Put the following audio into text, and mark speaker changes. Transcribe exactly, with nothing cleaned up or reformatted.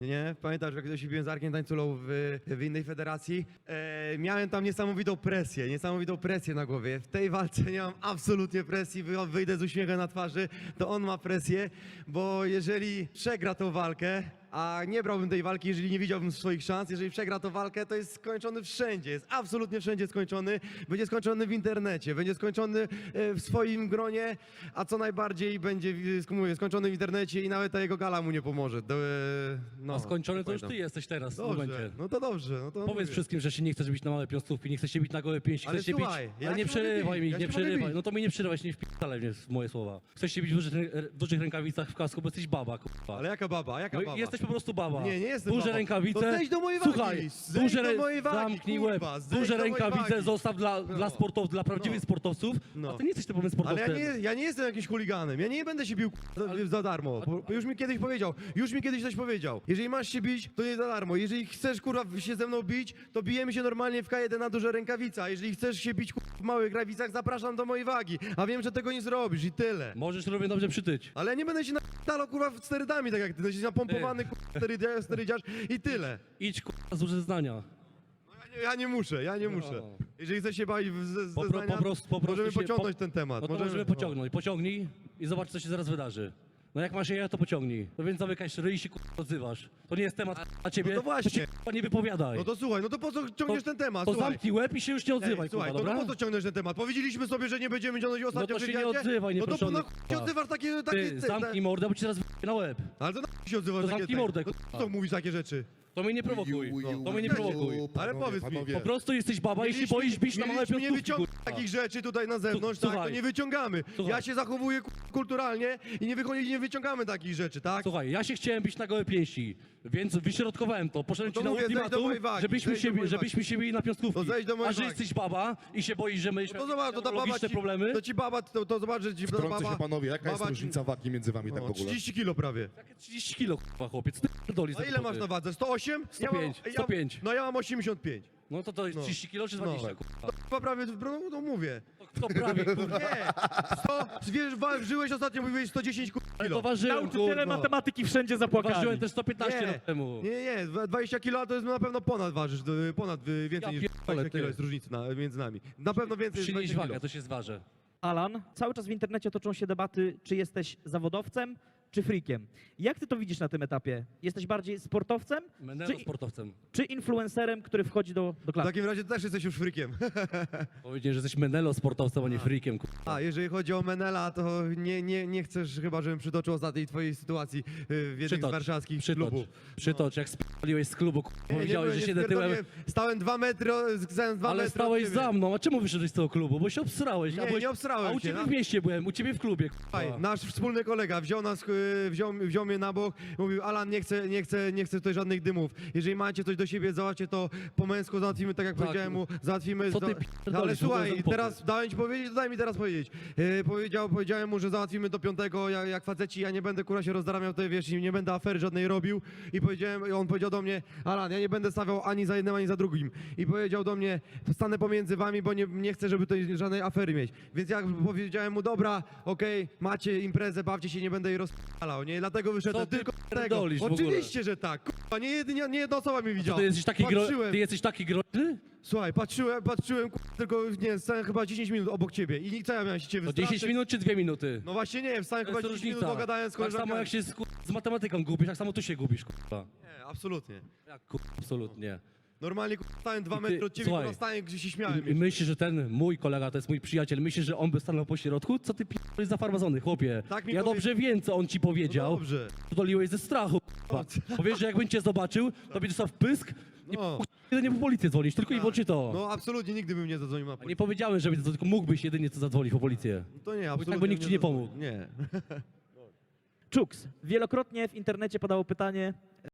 Speaker 1: Nie? Pamiętasz, jak się biłem z Arkiem Tańculą w, w innej federacji? E, miałem tam niesamowitą presję, niesamowitą presję na głowie. W tej walce nie mam absolutnie presji, wy- wyjdę z uśmiechem na twarzy, to on ma presję, bo jeżeli przegra tą walkę, a nie brałbym tej walki, jeżeli nie widziałbym swoich szans, jeżeli przegra tą walkę, to jest skończony wszędzie, jest absolutnie wszędzie skończony, będzie skończony w internecie, będzie skończony e, w swoim gronie, a co najbardziej będzie e, mówię, skończony w internecie i nawet ta jego gala mu nie pomoże. Do, e, no,
Speaker 2: A skończony to już ty
Speaker 1: pamiętam.
Speaker 2: jesteś teraz w tym
Speaker 1: Dobrze,
Speaker 2: momencie.
Speaker 1: no to dobrze. No to
Speaker 2: Powiedz
Speaker 1: mówię.
Speaker 2: wszystkim, że się nie chcesz bić na małe piąstówki, nie chcesz się bić na gołe pięści,
Speaker 1: Ale
Speaker 2: chcesz się
Speaker 1: słuchaj,
Speaker 2: bić...
Speaker 1: ja
Speaker 2: Ale nie
Speaker 1: się mogę
Speaker 2: przerywaj
Speaker 1: bić,
Speaker 2: mi,
Speaker 1: ja
Speaker 2: nie
Speaker 1: się mogę
Speaker 2: przerywaj.
Speaker 1: bić.
Speaker 2: No to mi nie przerywaj, się nie wpi***alej mnie w moje słowa. Chcesz się bić w dużych, w dużych rękawicach w kasku, bo jesteś baba, kurwa.
Speaker 1: Ale jaka baba, jaka
Speaker 2: No,
Speaker 1: baba?
Speaker 2: jesteś po prostu baba.
Speaker 1: Nie, nie jestem
Speaker 2: Duże
Speaker 1: babą.
Speaker 2: rękawice.
Speaker 1: To zejdź do mojej wagi,
Speaker 2: Słuchaj,
Speaker 1: zejdź
Speaker 2: duże
Speaker 1: do
Speaker 2: rę-
Speaker 1: mojej wagi,
Speaker 2: zamknij
Speaker 1: kurwa,
Speaker 2: łeb.
Speaker 1: zejdź
Speaker 2: Duże
Speaker 1: do mojej
Speaker 2: rękawice
Speaker 1: wagi.
Speaker 2: zostaw dla,
Speaker 1: No.
Speaker 2: dla sportowców, dla prawdziwych
Speaker 1: No.
Speaker 2: sportowców.
Speaker 1: No.
Speaker 2: A ty nie jesteś typowym
Speaker 1: Ale
Speaker 2: sportowcem.
Speaker 1: ja nie, ja nie jestem jakimś chuliganem, ja nie będę się bił za, za darmo. Bo już mi kiedyś powiedział, już mi kiedyś coś powiedział. Jeżeli masz się bić, to nie za darmo. Jeżeli chcesz kurwa się ze mną bić, to bijemy się normalnie w K jeden na duże rękawica. Jeżeli chcesz się bić kurwa, w małych rękawicach, zapraszam do mojej wagi. A wiem, że tego nie zrobisz i tyle.
Speaker 2: Możesz równie dobrze przytyć.
Speaker 1: Ale ja nie będę się napierdalał kurwa sterydami, tak jak ty, jesteś napompowany kurwa sterydia- sterydziarz i tyle.
Speaker 2: Idź kurwa z zeznania.
Speaker 1: No ja, nie, ja nie muszę, ja nie muszę.
Speaker 2: No.
Speaker 1: Jeżeli chcesz się bawić w ze,
Speaker 2: Po, pro,
Speaker 1: zeznania,
Speaker 2: po prostu, po prostu
Speaker 1: możemy
Speaker 2: się,
Speaker 1: pociągnąć
Speaker 2: po,
Speaker 1: ten temat.
Speaker 2: No to możemy pociągnąć. Pociągnij i zobacz, co się zaraz wydarzy. No jak masz je, to pociągnij. No więc zamykaj ryj i się kurwa odzywasz. To nie jest temat na ciebie.
Speaker 1: No to właśnie.
Speaker 2: się kurwa nie wypowiadaj.
Speaker 1: No to słuchaj, no to po co ciągniesz
Speaker 2: To-
Speaker 1: ten temat?
Speaker 2: To
Speaker 1: Słuchaj.
Speaker 2: zamknij łeb i się już nie odzywaj,
Speaker 1: Ej, słuchaj,
Speaker 2: kurwa,
Speaker 1: to
Speaker 2: dobra?
Speaker 1: no po co ciągnąć ten temat? Powiedzieliśmy sobie, że nie będziemy ciągnąć ostatnio
Speaker 2: No to się
Speaker 1: w
Speaker 2: nie
Speaker 1: wywiadzie?
Speaker 2: odzywaj,
Speaker 1: No to po
Speaker 2: nieproszony,
Speaker 1: na chuj się
Speaker 2: kurwa.
Speaker 1: odzywasz takie... takie
Speaker 2: Ty,
Speaker 1: te-
Speaker 2: zamknij
Speaker 1: te-
Speaker 2: mordę, bo ci zaraz wyjdę na łeb.
Speaker 1: Ale to na chuj się odzywasz
Speaker 2: To
Speaker 1: takie...
Speaker 2: zamknij
Speaker 1: te-
Speaker 2: mordę,
Speaker 1: no,
Speaker 2: kurwa.
Speaker 1: co mówisz takie rzeczy?
Speaker 2: To mnie nie prowokuj.
Speaker 1: No,
Speaker 2: To mnie nie
Speaker 1: no,
Speaker 2: prowokuj.
Speaker 1: Ale powiedz mi,
Speaker 2: Po prostu jesteś baba i się
Speaker 1: Mieliśmy-
Speaker 2: boisz bić na małe
Speaker 1: mieliśmy nie
Speaker 2: piąstówki,
Speaker 1: wyciągać
Speaker 2: kurwa.
Speaker 1: takich rzeczy tutaj na zewnątrz, tak? To
Speaker 2: Słuchaj.
Speaker 1: nie wyciągamy.
Speaker 2: Słuchaj.
Speaker 1: Ja się zachowuję ku- kulturalnie i nie, wychodzi, nie wyciągamy takich rzeczy, tak?
Speaker 2: Słuchaj, ja się chciałem bić na gołe pięści, więc wyśrodkowałem to. Poszedłem
Speaker 1: No to
Speaker 2: ci na
Speaker 1: mówię, zejdź do
Speaker 2: ultimatum,
Speaker 1: mojej wagi,
Speaker 2: żebyśmy
Speaker 1: zejdź do
Speaker 2: się,
Speaker 1: mojej
Speaker 2: żebyśmy się bili na piąstówki.
Speaker 1: To zejdź do mojej
Speaker 2: A że
Speaker 1: wagi.
Speaker 2: jesteś baba i się boisz, że my
Speaker 1: No to zobacz, to ta baba ci,
Speaker 2: problemy.
Speaker 1: to ci baba, to, to zobacz, że ci ta
Speaker 3: Wtrącę
Speaker 1: baba...
Speaker 3: się panowie, jaka jest
Speaker 1: baba ci-
Speaker 3: różnica wagi między wami tak w
Speaker 1: No,
Speaker 3: ogóle?
Speaker 1: trzydzieści kilo prawie.
Speaker 2: Takie trzydzieści kilo, kurwa, chłopiec. Ty pierdolisz
Speaker 1: A
Speaker 2: za
Speaker 1: ile
Speaker 2: głupoty.
Speaker 1: masz na wadze? sto osiem?
Speaker 2: sto pięć,
Speaker 1: Ja mam,
Speaker 2: sto pięć.
Speaker 1: Ja, no ja mam osiemdziesiąt pięć.
Speaker 2: No to to jest
Speaker 1: No.
Speaker 2: trzydzieści kilo czy
Speaker 1: No.
Speaker 2: dwadzieścia, kurwa?
Speaker 1: To chyba prawie, no, no mówię.
Speaker 2: To prawie, kurwa.
Speaker 1: Nie, sto, wiesz, ważyłeś ostatnio, mówiłeś sto dziesięć
Speaker 2: Ale
Speaker 1: kilo.
Speaker 2: to ważyłem,
Speaker 4: Nauczyciele
Speaker 2: kurwa.
Speaker 4: matematyki wszędzie zapłakali.
Speaker 2: Ważyłem też sto piętnaście
Speaker 1: Nie,
Speaker 2: lat temu.
Speaker 1: nie, nie, dwadzieścia kilo to jest na pewno ponad ważysz, to ponad y, więcej
Speaker 2: Ja
Speaker 1: niż
Speaker 2: pierdolę,
Speaker 1: dwadzieścia kilo
Speaker 2: ty.
Speaker 1: jest różnicy na, między nami. Na pewno więcej niż
Speaker 2: Przynieś
Speaker 1: dwadzieścia
Speaker 2: wagę,
Speaker 1: kilo.
Speaker 2: to się zważę.
Speaker 4: Alan, cały czas w internecie toczą się debaty, czy jesteś zawodowcem, czy freakiem. Jak ty to widzisz na tym etapie? Jesteś bardziej sportowcem,
Speaker 2: Menelo
Speaker 4: czy,
Speaker 2: sportowcem.
Speaker 4: czy influencerem, który wchodzi do, do
Speaker 1: W
Speaker 4: klatki?
Speaker 1: takim razie też jesteś już frykiem.
Speaker 2: Powiedziałem, że jesteś Menelo sportowcem, a nie freakiem, kurwa.
Speaker 1: A, jeżeli chodzi o Menela, to nie, nie, nie chcesz chyba, żebym przytoczył ostatniej twojej sytuacji y, w jednym z
Speaker 2: Przytocz,
Speaker 1: warszawskich
Speaker 2: przytocz,
Speaker 1: klubów.
Speaker 2: przytocz, jak spaliłeś z klubu, kurwa,
Speaker 1: Nie, nie
Speaker 2: powiedziałeś,
Speaker 1: byłem,
Speaker 2: że
Speaker 1: nie
Speaker 2: siedzę tyłem,
Speaker 1: spierdoliłem. Stałem dwa metry, o- stałem dwa
Speaker 2: ale
Speaker 1: metry
Speaker 2: stałeś
Speaker 1: od ciebie.
Speaker 2: za mną, a czemu wyszedłeś z tego klubu? Bo się obsrałeś.
Speaker 1: Nie,
Speaker 2: a byłeś,
Speaker 1: nie obsrałem
Speaker 2: A u
Speaker 1: się,
Speaker 2: ciebie
Speaker 1: no.
Speaker 2: w mieście byłem, u ciebie w klubie,
Speaker 1: Słuchaj,
Speaker 2: kurwa.
Speaker 1: nasz wspólny kolega wziął nas, y, wziął, wziął mnie na bok, mówił, Alan, nie chcę, nie chcę, nie chcę tutaj żadnych dymów. Jeżeli macie coś do siebie, załatwcie to po męsku, załatwimy tak jak
Speaker 2: Tak.
Speaker 1: powiedziałem mu, załatwimy...
Speaker 2: Co ty
Speaker 1: za-
Speaker 2: pierdolisz
Speaker 1: Ale
Speaker 2: w ogóle za
Speaker 1: słuchaj,
Speaker 2: głupoty?
Speaker 1: teraz dałem ci powiedzieć, to daj mi teraz powiedzieć. Yy, powiedział, powiedziałem mu, że załatwimy do piątego, jak, jak faceci, ja nie będę kurwa się rozdaramiał tutaj, wiesz, i nie będę afery żadnej robił. I powiedziałem, i on powiedział do mnie, Alan, ja nie będę stawiał ani za jednym, ani za drugim. I powiedział do mnie, stanę pomiędzy wami, bo nie, nie chcę, żeby tutaj żadnej afery mieć. Więc ja powiedziałem mu, dobra, okej, macie imprezę, bawcie się, nie będę jej rozpalał, nie? Dlatego wyszedłem
Speaker 2: Co ty
Speaker 1: tylko z tego.
Speaker 2: pierdolisz w ogóle?
Speaker 1: Oczywiście, że tak. Kurwa, nie, jedynie, nie jedna osoba mnie widziała.
Speaker 2: Ty jesteś taki, gro...
Speaker 1: Patrzyłem,
Speaker 2: ty jesteś taki groźny?
Speaker 1: słuchaj, patrzyłem, patrzyłem, kurwa, tylko nie, stałem chyba dziesięć minut obok ciebie i nikt co ja miałem się ciebie
Speaker 2: To
Speaker 1: wystraszyć?
Speaker 2: dziesięć minut czy dwie minuty?
Speaker 1: No właśnie nie wiem, stałem
Speaker 2: To
Speaker 1: chyba
Speaker 2: jest
Speaker 1: dziesięć minut,
Speaker 2: różnica.
Speaker 1: pogadałem z
Speaker 2: Tak
Speaker 1: koleżankami.
Speaker 2: samo jak się z, z matematyką gubisz, tak samo tu się gubisz, kurwa.
Speaker 1: Nie, absolutnie.
Speaker 2: Jak kurwa, absolutnie.
Speaker 1: Normalnie kurwa, stałem dwa
Speaker 2: I ty-
Speaker 1: metry od ciebie,
Speaker 2: słuchaj,
Speaker 1: kurwa, stałem, gdzie się śmiałem.
Speaker 2: I, I myślisz, że ten mój kolega, to jest mój przyjaciel, myślisz, że on by stanął po środku? Co ty p***lisz za farmazony, chłopie?
Speaker 1: Tak mi
Speaker 2: Ja
Speaker 1: powie-
Speaker 2: dobrze wiem, co on ci
Speaker 1: No
Speaker 2: powiedział.
Speaker 1: dobrze.
Speaker 2: Doliłeś ze strachu, kurwa. Powiesz, że jakbym cię zobaczył, to będziesz dostał w pysk i
Speaker 1: No.
Speaker 2: jedynie po policję dzwonić, tylko i wyłącznie to.
Speaker 1: No absolutnie nigdy bym nie zadzwonił na
Speaker 2: A nie
Speaker 1: policję.
Speaker 2: powiedziałem, że to tylko mógłbyś jedynie co zadzwonić po policję.
Speaker 1: To nie,
Speaker 2: tak
Speaker 1: absolutnie
Speaker 2: by nikt
Speaker 1: bym
Speaker 2: ci nie
Speaker 1: zadzwonił.
Speaker 2: pomógł.
Speaker 1: Nie.
Speaker 4: Czuks, wielokrotnie w internecie padało pytanie,